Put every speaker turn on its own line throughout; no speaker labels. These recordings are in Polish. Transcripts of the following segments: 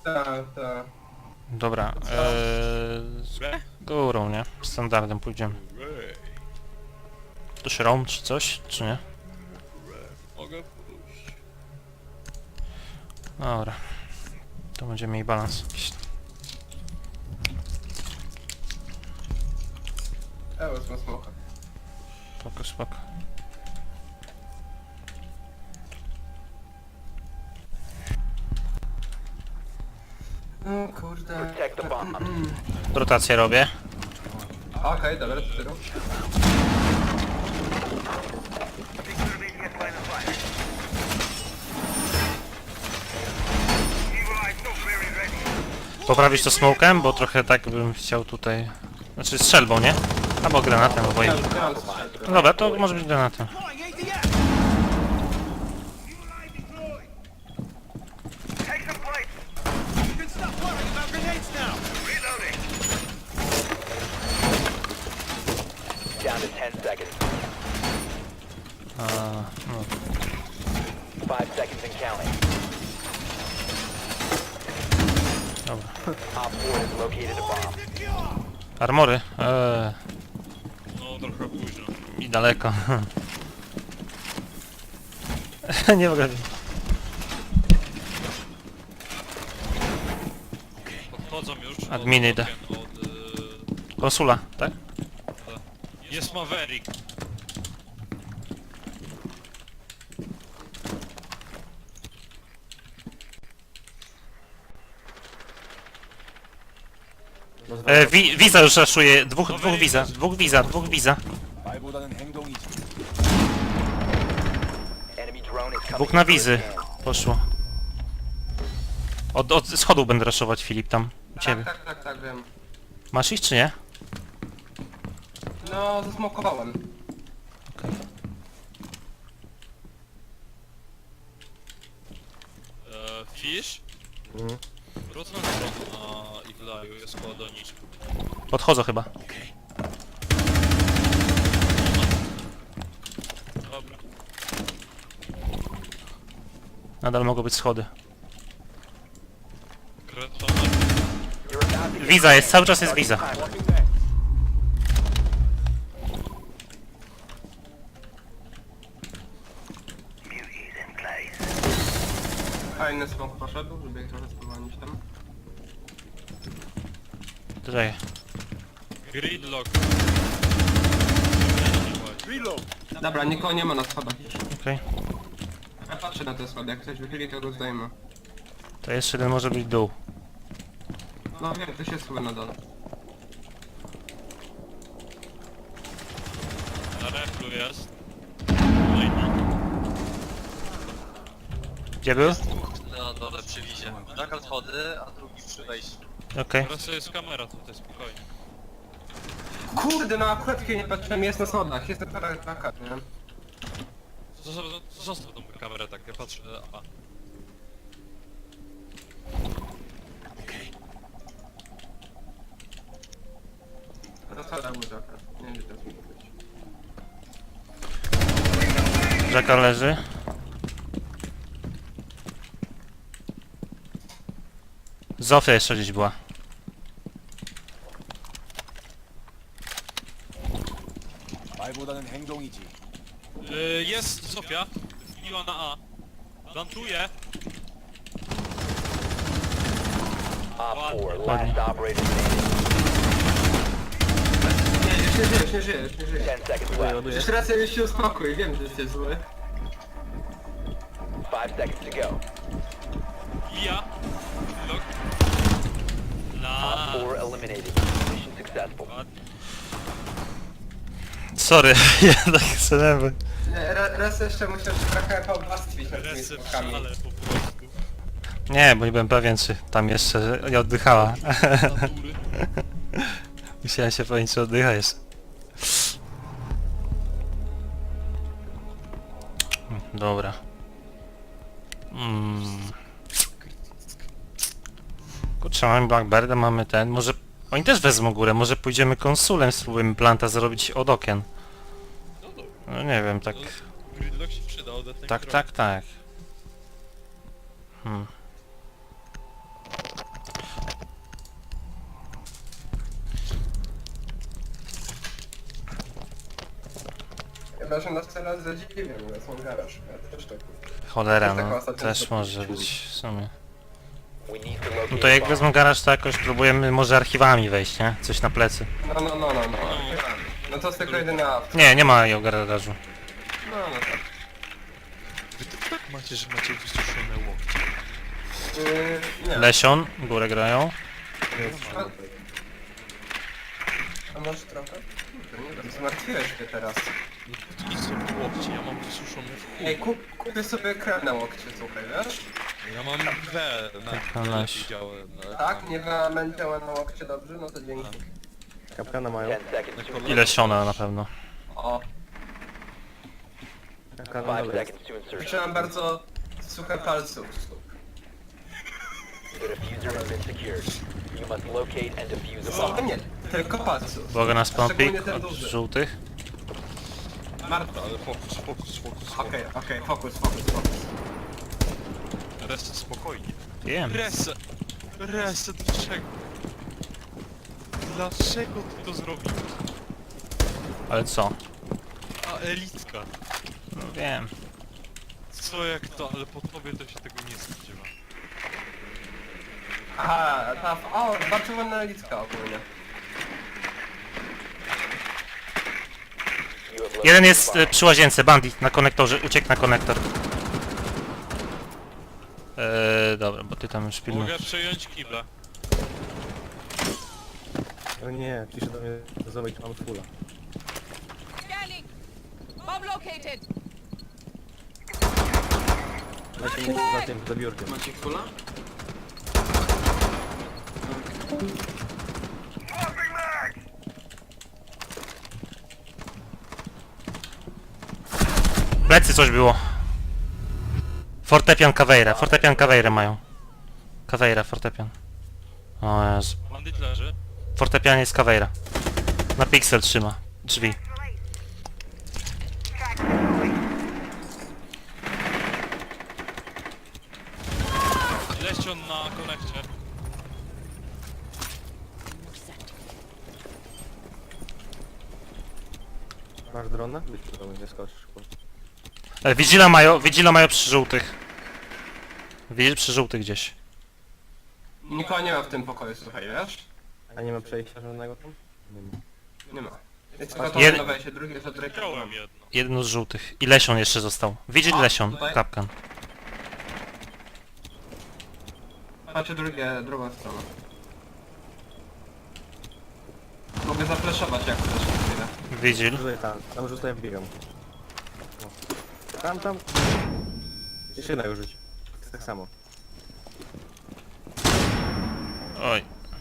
Tak.
Dobra, górą, nie? Standardem pójdziemy. To roam czy coś, czy nie?
Mogę pójść.
Dobra. To będziemy mieli balans jakiś.
Wezmę smoka.
Spoko, spoko.
No kurde.
Protect the bomb.
Rotację robię.
Okej, dobra, to ty rób.
Poprawić to smokem, bo trochę tak bym chciał tutaj... Znaczy strzelbą, nie? Albo granatem, albo
Ja
innym.
mam strzelbę.
No dobra, to może być granatem.
Down to 10 seconds.
No.
5 seconds and counting.
Dobra.
Op 4 has located a bomb.
Armory?
No trochę późno.
I daleko. Nie mogę.
Podchodzą już.
Adminy idę. Konsula, tak?
Jest Maverick.
Wiza już raszuje. Dwóch wiza.
말보다는 행동이지.
Enemy drone is coming.
Dwóch na
in for a
wizy.
scan.
Poszło. Od schodów będę raszować, Filip, tam. U ciebie.
Tak, wiem.
Masz ich, czy nie?
No, zasmokowałem.
Okej.
Fish? Wrócę na stronę na Iglaju, jest koło doniczki.
Podchodzą chyba.
Dobra.
Nadal mogą być schody.
Kretona.
You're about to get
Wiza jest, cały czas jest wiza.
Fajny smok poszedł, żeby ich trochę spowolnić tam.
Tutaj.
Gridlock.
Dobra, nikogo nie ma na schodach już.
Okej.
Ja patrzę na te schody, jak ktoś wychyli, to go zdejmę.
To jeszcze jeden może być dół.
No wiem, ktoś jest chyba na dole.
Na reflu jest.
Gdzie był?
Na dole przy wizie. Nakal schody, a drugi przy wejściu.
Okej.
Teraz jest kamera tutaj, spokojnie.
Kurde, no akurat kiedy nie patrzyłem, jest na schodach, jest na plakat, nie?
Zostaw tą kamerę tak, ja patrzę. A.
Na schodach będzie akurat, nie wiem, gdzie teraz mógł być.
Jacka leży. Zofia jeszcze gdzieś była.
말보다는 행동이지.
Jest Sofia. Wbiła na A. Plantuje.
Op 4,
Ładnie.
last operator standing.
Nie żyjesz.
10 seconds left.
Jeszcze raz ja się uspokój, wiem, że jesteś zły.
5 seconds to go.
Ja. Look.
Op 4 eliminated. Mission successful.
Sorry, ja tak sobie.
Nie, raz jeszcze musiał się trochę pobłastwić nad tymi
Resy
smokami.
ale po prostu.
Nie, bo nie byłem pewien, czy tam jeszcze nie oddychała.
Natury.
Musiałem się powiedzieć, czy oddycha jeszcze. Dobra. Kurczę, mamy Blackbirda, mamy ten, może... Oni też wezmą górę, może pójdziemy konsulem, spróbujemy planta zrobić od okien.
No dobra.
No nie wiem, tak...
Gridlock się przydał do tej
Tak.
Chyba, że nas teraz zadziwią, bo są garaż. Ja też tak.
Cholera,
Jest taka
no
ostatnia
też
rzecz.
może być w sumie.
We need to locate
No to jak
a bomb.
wezmą garaż, to jakoś próbujemy może archiwami wejść, nie? Coś na plecy.
No. No to jest tylko jedyna opcja.
Nie ma jej garażu.
No tak.
Wy to tak macie, że macie wysuszone łokcie.
Nie.
Lesion, górę grają.
A masz trochę? Kurde, nie wiem, zmartwiłeś mnie teraz.
No to nie są łokcie, ja mam wysuszone w chuj.
Ej, kupię sobie krem na łokcie, słuchaj, wiesz?
Ja mam we na
na leś.
widziałem.
Tak, nie wam działa na łokcie dobrze, no to dzięki.
Kapkana mają.
10 seconds to
I lesiona na pewno.
O,
Kapkana na
5
dole.
seconds to insertion.
trzymam bardzo suche palców.
The diffuser has been secured. You must locate and defuse a
O
bomb.
nie, tylko palców.
Uwaga na spawn
Szczególnie
pick
ten
od
duży.
żółtych.
Marta.
Ale fokus.
Okej, fokus.
Reset spokojnie.
Wiem.
Reset, dlaczego? Dlaczego ty to zrobiłeś?
Ale co?
A elitka.
No wiem.
Co jak to, ale po tobie to się tego nie spodziewa.
Aha, bardzo ładna liczka ogólnie.
You have located
Jeden
a
jest
bomb.
przy łazience, bandit na konektorze, uciekł na konektor. Dobra, bo ty tam już pilnujesz.
Mogę przejąć kibla.
O nie, pisze do mnie, zobacz, mam fulla.
Scanning! Bomb located!
Dajcie mnie za tym, za biurkiem.
Macie kula?
Plecy coś było. Fortepian Caveira mają. Caveira, fortepian. O Jezu.
Bandit leży.
Fortepian jest Caveira. Na piksel trzyma drzwi.
Leścion na konekcie.
Masz drona? Być do mnie, nie skoczysz.
Vigila mają przy żółtych. Vigil przy żółtych gdzieś.
Nikogo nie ma w tym pokoju, słuchaj, wiesz?
A nie ma przejścia żadnego tam? Nie ma.
Nie ma. Jest tylko to
Jed-
jedno wejście, drugie jest od ręki.
Wziąłem jedno.
Jeden z żółtych. I Lesion jeszcze został. Vigil
A,
Lesion,
tutaj?
kapkan.
Patrzę drugą stronę. Mogę zafleszować jak chcesz na chwilę.
Vigil.
Rzucaj tam rzucaj, ja wbiegam. O. Tam. Jeszcze jednego rzuć. Jest tak samo.
Oj.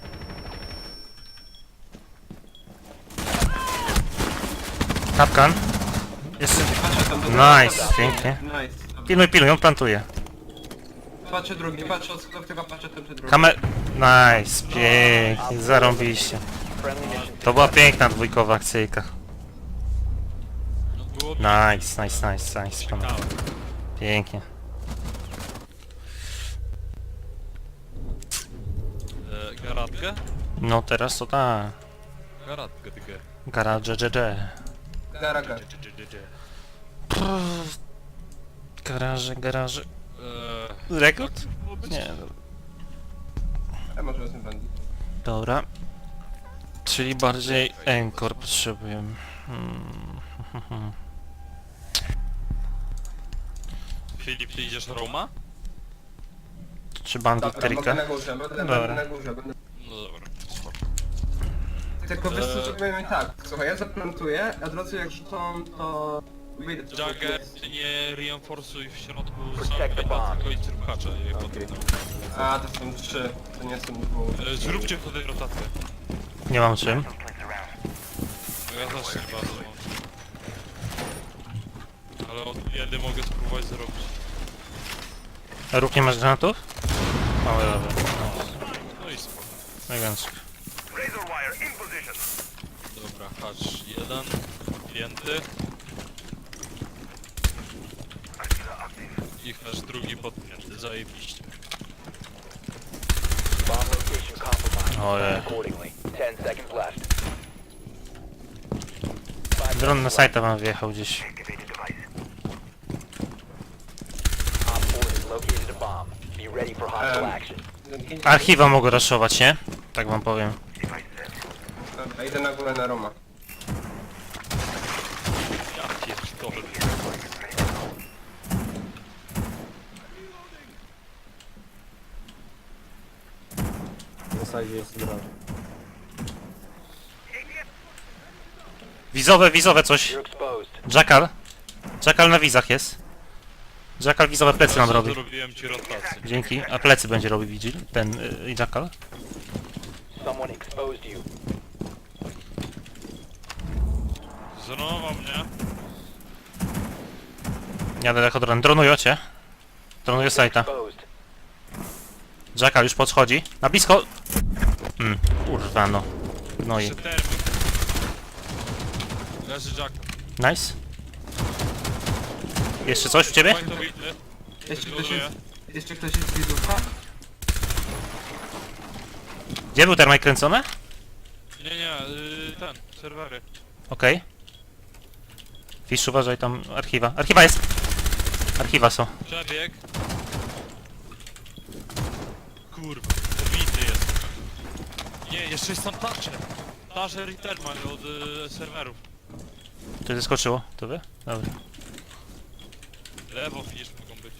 Kapkan. Jest...
Patrzę tam do
Nice, pięknie.
Nice.
Pilnuj, on plantuje.
Patrzę drugi, patrzę od schodów, tylko patrzę ten czy drugi.
Nice, pięknie, zarąbiście.
Friendly mission
To była piękna dwójkowa akcyjka.
No było
Nice, panowie. Pięknie.
Garatkę?
No teraz to tak.
Garatkę, tygę.
Garage,
Garaga.
Garaże. Rekord? Nie,
Ja może wezmę bandit.
dobra. Czyli bardziej Encore potrzebujemy.
Filip, ty idziesz Roma?
Czy bandit
Dobra, mogę
trika?
na górze, będę
Dobra.
na górze.
No dobra, spoko.
Tylko wiesz co, zrobimy tak. Słuchaj, ja zaplantuję, a drodzy jak rzucą, to... wyjdę przez
Jagger,
okno.
ty nie reinforcuj w środku
Protect the bomb.
sam tylko i trupkacze.
A, to są 3, to nie są 2.
Zróbcie wtedy rotację.
Nie mam czym.
Bo ja też nie bardzo mam. Ale od jedy mogę spróbować zrobić.
Róg nie masz granatów? Małe dobra.
No i spoko.
Elegancko.
Dobra, hacz jeden. Wpięty. I hacz drugi podpięty, zajebiście.
bomb location compromised.
Ojej.
Accordingly. 10 seconds left.
Dron na sajta wam wjechał gdzieś.
ready for hostile action.
Archiwa mogę raszować, nie? Tak wam powiem.
Dobra, idę na górę na Roma.
Ja pierdolę.
W zasadzie jest drogi.
Wizowe coś.
You're exposed.
Jackal. Jackal na wizach jest. Jackal wizowe plecy nam robi.
Zrobiłem ci rotację.
Dzięki. A plecy będzie robił Vigil. Ten Jackal.
Someone exposed you.
Zronował mnie.
Jadę jako dron. Dronują cię. Dronuję sajta.
Exposed.
Jackal już podchodzi. Na blisko. Kurwa no. No i.
Jeszcze termin. Leży Jack.
Nice. Jeszcze coś u ciebie?
Fajny bity.
Jeszcze ktoś
Gratuluję.
jest... Jeszcze ktoś jest widzówka?
Gdzie był termite kręcony?
Nie, ten, serwery.
Okej. Fish, uważaj tam archiwa. Archiwa jest! Archiwa są.
Przebieg. Kurwa, pobity jest. Nie, jeszcze jest tam Thatcher. Thatcher i Termal od serwerów.
Tu zeskoczyło. To wy? Dobra.
Lewo Fish mogą być.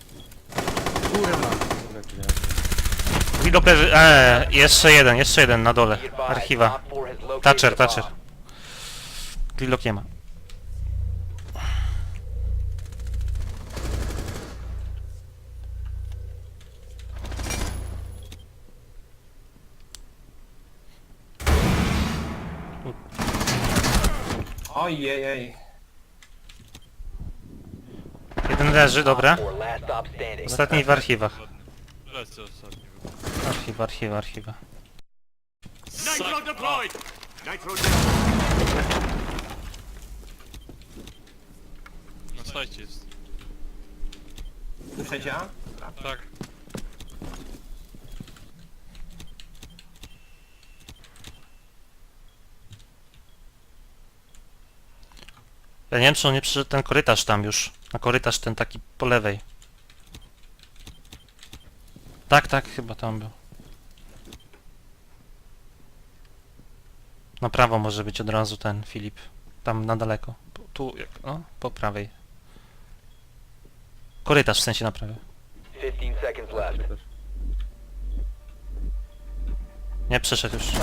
Widok leży. Jeszcze jeden na dole.
Be advised,
Archiwa.
Op 4 has located
Thatcher,
a
Thatcher.
bomb.
Grillock nie ma.
Ojej.
Jeden leży, dobra.
4 last stop standing.
Ostatni w archiwach.
Lecę ostatni.
Archiwa.
Nitro deployed! Na sajcie jest.
Już działa?
Tak.
Ja nie wiem, czy on nie przyszedł ten korytarz tam już. Na korytarz ten taki po lewej. Tak, chyba tam był. Na prawo może być od razu ten Filip. Tam na daleko. Tu, no, po prawej. Korytarz w sensie na prawej.
15 seconds left.
Nie, przeszedł już.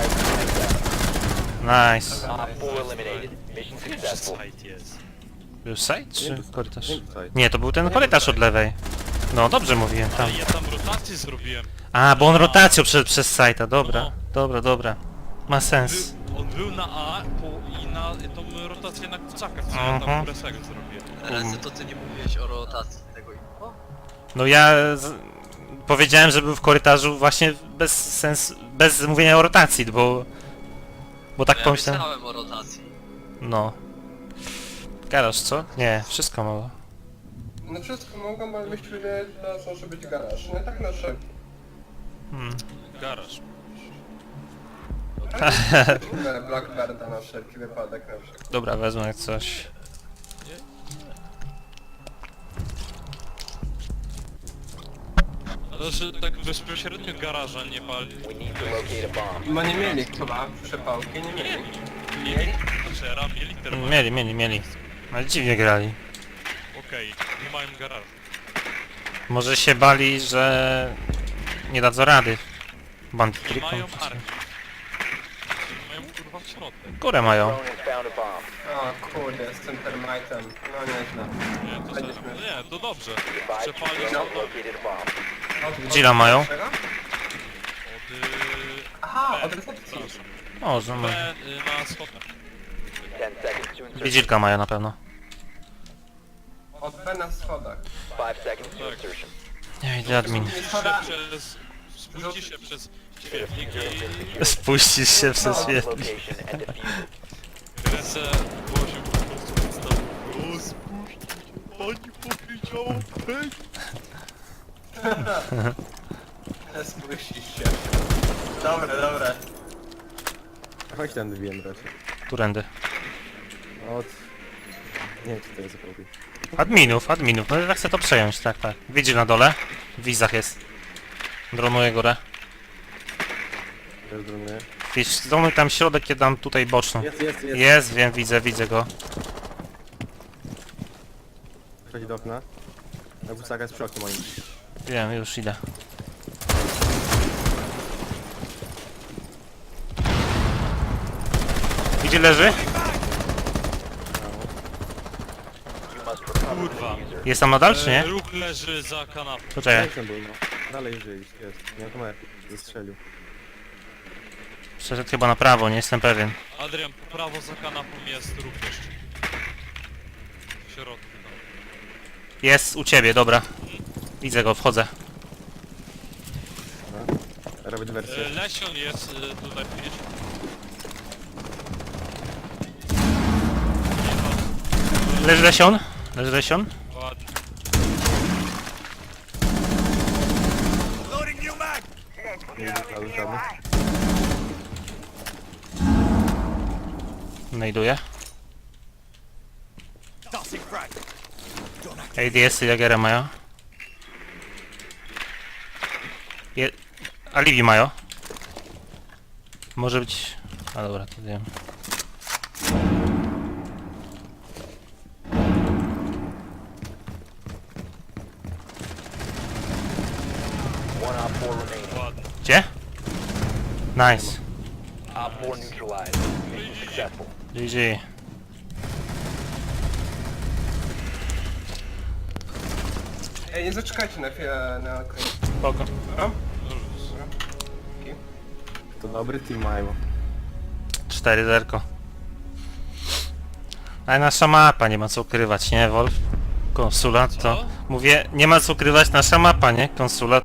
Nice.
Op 4 eliminated. Mission successful.
Site jest.
Był side czy korytarz?
Nie tutaj.
Nie, to był ten korytarz od lewej. No, dobrze mówiłem, tam.
Ale ja tam rotację zrobiłem.
A, bo on rotacją przez sajta, dobra. Dobra. Ma sens.
On był na A i na tą rotację na kurczaka, co ja
Mhm.
tam presego zrobiłem.
Rezy, to ty nie mówiłeś o rotacji tego info?
No ja powiedziałem, że był w korytarzu właśnie bez mówienia o rotacji, bo tak
Ja
pomyślałem.
myślałem o rotacji.
No. Garaż, co? Nie, wszystko mało.
No wszystko mogą, ale myślę, że teraz może być garaż. No tak na wszelki.
Garaż.
Blackbirda na wszelki wypadek na przykład.
Dobra, wezmę jak coś.
Ale że tak bezpośrednio garaża nie pali.
We need to locate a bomb.
No nie mieli chyba przepałki, nie mieli.
Mieli? Znaczy, mieli termal.
Mieli. Ale dziwnie grali.
Okej, nie mają garażu.
Może się bali, że nie dadzą rady.
Nie
Bandytryką.
mają armii. Mają kurwa w środek.
Górę mają.
Drone has found a bomb.
O kurde, z tym termitem. No nieźle.
Nie, to,
Będzie
za-
śmieszne.
nie, to dobrze.
Advised,
Przepalić
drone
to
has located a bomb.
Gdzila mają?
Czego?
od...
Aha,
B,
od recepcji.
przepraszam.
Może, może.
B, na schodach.
10 seconds to insertion.
Widzilka mają na pewno.
Od B na schodach.
5 seconds to
Tak.
insertion.
Nie widzę admin.
Spójrzcie się przez świetlik
Spuścisz się przez
Bomb
świetlik.
location and defuse it.
i ręce głosił po prostu przedstawił. O, spuśćcie, pani powiedziała pęk.
Spuścisz się. Dobre.
Chodź ten wiem raczej.
Którędy?
Od... Nie wiem, czy to jest zapomnij.
Adminów. No ja chcę to przejąć, tak. Widzi na dole. W wizach jest. Dronuję górę.
Też dronuję.
Wiesz, zdronuj tam środek, ja dam tutaj boczną.
Jest.
Jest, wiem, widzę go.
Wchodzi do okna. Na busaka jest przy oknie moim.
Wiem, już idę. Gdzie leży?
You must recover
Kurwa.
the diffuser.
Jest tam nadal, czy nie?
Ruch leży za kanapą.
Poczekaj.
Jak ten był, no. Dalej żyje, jest. Nie ma kamery. Zestrzelił.
Przeszedł chyba na prawo, nie jestem pewien.
Adrian, po prawo za kanapą jest ruch jeszcze. W środku tam.
Jest u ciebie, dobra. Widzę go, wchodzę.
Robię dywersję.
Lesion jest tutaj, widzisz?
Leży lesion? Leży lesion?
Ładnie.
Nie widzę cały żadny.
Znajduję. ADS-y Jagera mają. Alibi mają. Może być... A dobra, to wiem.
One Op 4 remaining.
Ładnie.
Gdzie? Nice.
Op 4 neutralized. Mission successful.
GG.
Ej, nie zaczekajcie na chwilę na koniec.
Spoko.
To dobry team mają.
4-0. Ale nasza mapa, nie ma co ukrywać, nie Wolf? Konsulat to...
Co?
Mówię, nie ma co ukrywać, nasza mapa, nie? Konsulat